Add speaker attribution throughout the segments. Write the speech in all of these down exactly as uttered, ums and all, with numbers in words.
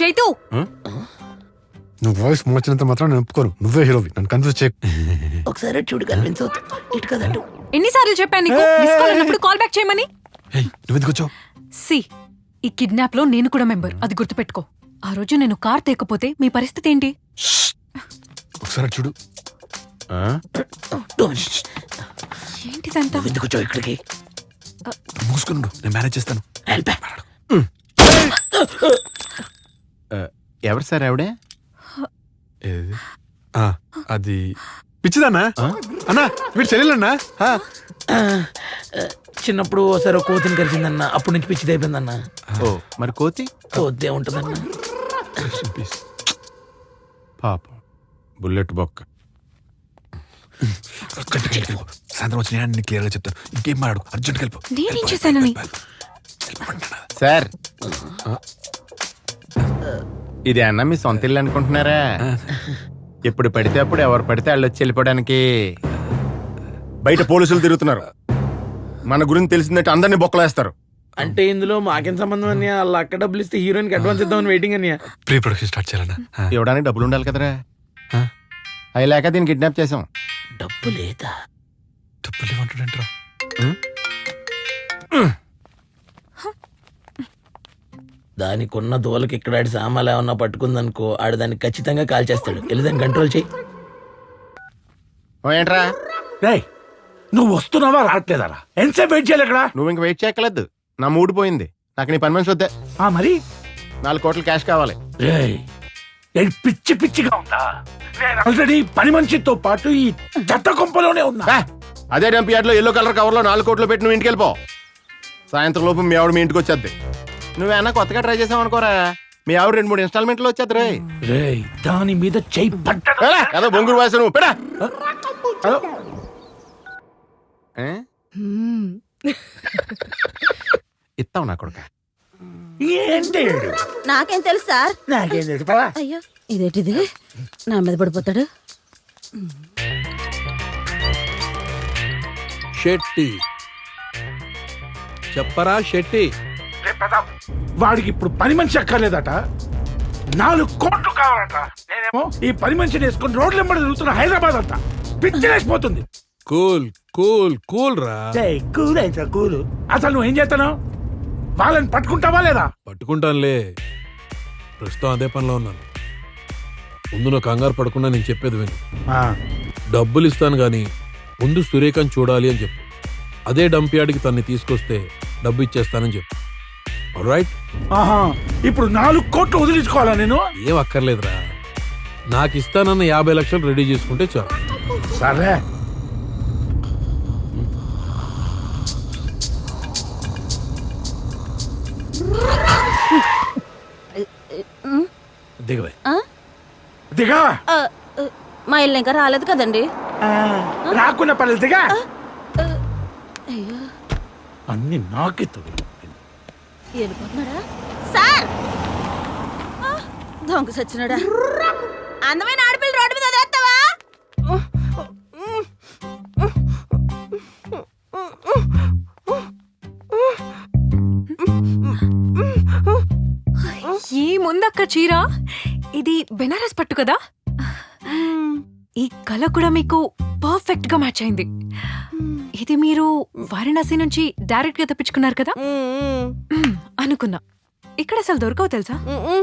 Speaker 1: చైతు
Speaker 2: నువ్వు వాయిస్ మార్చినంత మాత్రం నేను ఒప్పుకోను. నువ్వే హీరోవి, నన్ను కన్ఫ్యూజ్ చేయ.
Speaker 3: ఒకసారి చూడు కన్విన్స్ అవుతా. ఇటు కదటు.
Speaker 1: ఎన్నిసార్లు చెప్పాను నీకు మిస్ కాల్ అన్నప్పుడు కాల్ బ్యాక్ చేయమని?
Speaker 2: నువ్వు ఎందుకు వచ్చావు?
Speaker 1: సి ఈ కిడ్నాప్ లో నేను కూడా మెంబర్, అది గుర్తుపెట్టుకో. ఆ రోజు నేను కార్ తేకపోతే మీ పరిస్థితి ఏంటి?
Speaker 2: ఒకసారి చూడు.
Speaker 1: ఏంటిదంతా?
Speaker 3: ఎందుకు వచ్చావు ఇక్కడికి?
Speaker 2: మూసుకున్నాడు, నేను మేనేజ్ చేస్తాను.
Speaker 4: ఎవరు సార్ ఆవిడే?
Speaker 2: అది పిచ్చిదన్నా అన్నా, వీడు చెల్లెలన్నా.
Speaker 3: చిన్నప్పుడు ఓసారి కోతిని కలిసిందన్న, అప్పటి నుంచి పిచ్చిది అయిపోయిందన్న.
Speaker 4: ఓ మరి కోతి
Speaker 3: కోతే ఉంటుందన్న.
Speaker 4: పాపం
Speaker 2: బుల్లెట్ బొక్క. సాయంత్రం వచ్చిన నేను క్లియర్ గా చెప్తాను. ఇంకేం మాట్లాడు, అర్జెంట్ వెళ్ళిపో.
Speaker 1: నేనేం చేశానని?
Speaker 4: సార్ ఇది అన్న మీ సొంత ఇల్లు అనుకుంటున్నారా? ఎప్పుడు పడితే అప్పుడు ఎవరు పడితే వాళ్ళు వచ్చి వెళ్ళిపోవడానికి. బయట పోలీసులు తిరుగుతున్నారు, మన గురించి తెలిసిందంటే అందరినీ బొక్కలేస్తారు.
Speaker 3: అంటే ఇందులో మాకేం సంబంధం అన్నయ్య? వాళ్ళు అక్కడ డబ్బులు ఇస్తే హీరోయిన్ కి అడ్వాన్స్ ఇద్దామని వెయిటింగ్ అన్నయ్య.
Speaker 2: ప్రీ ప్రొడక్షన్ స్టార్ట్ చేయాలన్నా.
Speaker 4: ఇవ్వడానికి డబ్బులు ఉండాలి కదరా. అవి లేక దీన్ని కిడ్నాప్ చేసాం.
Speaker 3: డబ్బు లేదా?
Speaker 2: డబ్బులు ఏమంటాడంటరా?
Speaker 3: దానికి ఉన్న దూలకి ఇక్కడ ఆడి సామాన్లు ఏమన్నా పట్టుకుందనుకో, ఆడు దాన్ని ఖచ్చితంగా కాల్ చేస్తాడు. వెళ్ళి దాన్ని కంట్రోల్ చేయి.
Speaker 4: ఏంట్రా
Speaker 5: రేయ్, నువ్వు వస్తున్నావా రావట్లేదా? ఎంతసేపు వెయిట్ చేయాలి ఇక్కడ?
Speaker 4: నువ్వు ఇంక వెయిట్ చేయక్కర్లేదు, నా మూడ్ పోయింది. నాకు నీ పని మనిషి వద్దే.
Speaker 5: ఆ మరి
Speaker 4: నాలుగు కోట్ల క్యాష్ కావాలి.
Speaker 5: రేయ్, ఏంటి పిచ్చి పిచ్చిగా ఉందా? నేను ఆల్రెడీ పని మనిషితో పాటు ఈ చెత్త కొంపలోనే ఉన్నా.
Speaker 4: ఆ, అదే డంప్ యార్డ్ లో ఎల్లో కలర్ కవర్ లో నాలుగు కోట్లు పెట్టి నువ్వు ఇంటికి వెళ్ళిపో. సాయంత్రం లోపు మీ ఆవిడ మీ ఇంటికి వచ్చేద్ది. నువ్వేనా కొత్తగా ట్రై చేసావు అనుకోరా, మీ ఆవిడ రెండు మూడు ఇన్స్టాల్మెంట్లు వచ్చేది. రే
Speaker 5: రేయ్, దాని మీద చెయ్యి పడ్డా
Speaker 4: అదో బొంగురు వాసన నువ్వు పెడా. ఇస్తావు నా కొడుక.
Speaker 5: ఏంటి?
Speaker 6: నాకేం తెలుసు సార్.
Speaker 5: నాకేం తెలుసు పరా.
Speaker 6: అయ్యో ఇదేంటిది, నా మీద పడిపోతాడు.
Speaker 7: షెట్టి చెప్పరా షెట్టి.
Speaker 5: వాడికి ఇప్పుడు పని మనిషి అక్కర్లేదట, నాలుగు కోట్లు కావాలట. నేనేమో ఈ పని మనిషిని వేసుకుని రోడ్లు వెంబడి తిరుగుతున్న హైదరాబాద్ అంతా పిచ్చిలేసిపోతుంది.
Speaker 7: కూల్ కూల్ కూల్ రా.
Speaker 5: కూల్ అయితే కూల్. అసలు నువ్వు ఏం చేస్తాను? వాళ్ళని పట్టుకుంటావా లేదా?
Speaker 7: పట్టుకుంటానులే, ప్రస్తుతం అదే పనిలో ఉన్నాను. ముందు నువ్వు కంగారు పడకుండా నేను చెప్పేది విను. డబ్బులు ఇస్తాను గాని ముందు సురేఖని చూడాలి అని చెప్పు. అదే డంప్ యార్డ్కి తన్ని తీసుకొస్తే డబ్బు ఇచ్చేస్తానని చెప్పు. రైట్?
Speaker 5: ఆహా, ఇప్పుడు నాలుగు కోట్లు వదిలించుకోవాలా నేను?
Speaker 7: ఏం అక్కర్లేదురా, నాకు ఇస్తానన్న యాభై లక్షలు రెడీ చేసుకుంటే చాలు.
Speaker 5: సరే.
Speaker 7: దిగవే.
Speaker 5: దిగా.
Speaker 6: మా ఇల్లు ఇంకా రాలేదు కదండి.
Speaker 5: రాకుండా పర్లేదు, దిగా. అన్ని నాకే
Speaker 6: వెళ్ళిపోతున్నాడా సార్? దొంగ సచ్చినాడా? అందమైన ఆడపిల్ల రోడ్డు మీద వదిలేస్తావా?
Speaker 1: ఈ ముందక్క చీర ఇది బెనారస్ పట్టు కదా, ఈ కలర్ కూడా మీకు పర్ఫెక్ట్ గా మ్యాచ్ అయింది. ఇది మీరు వారణాసి నుంచి డైరెక్ట్ గా తెప్పించుకున్నారు కదా అనుకున్నా. ఇక్కడ అసలు దొరకవు తెలుసా.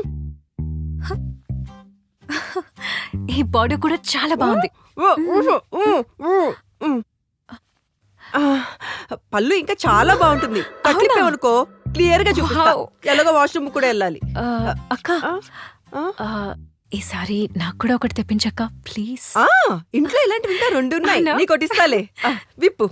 Speaker 1: ఈ బాడీ కూడా చాలా బాగుంది.
Speaker 8: పళ్ళు ఇంకా చాలా బాగుంటుంది. అనుకో క్లియర్ గా చూపిస్తా. ఎలాగో వాష్రూమ్ కూడా వెళ్ళాలి.
Speaker 1: అక్క ఈసారి నాకు కూడా ఒకటి తెప్పించక్క ప్లీజ్.
Speaker 8: ఇంట్లో ఇలాంటివి ఇంకా రెండు ఉన్నాయి, నీకు కొట్టిస్తాలే. విప్పు.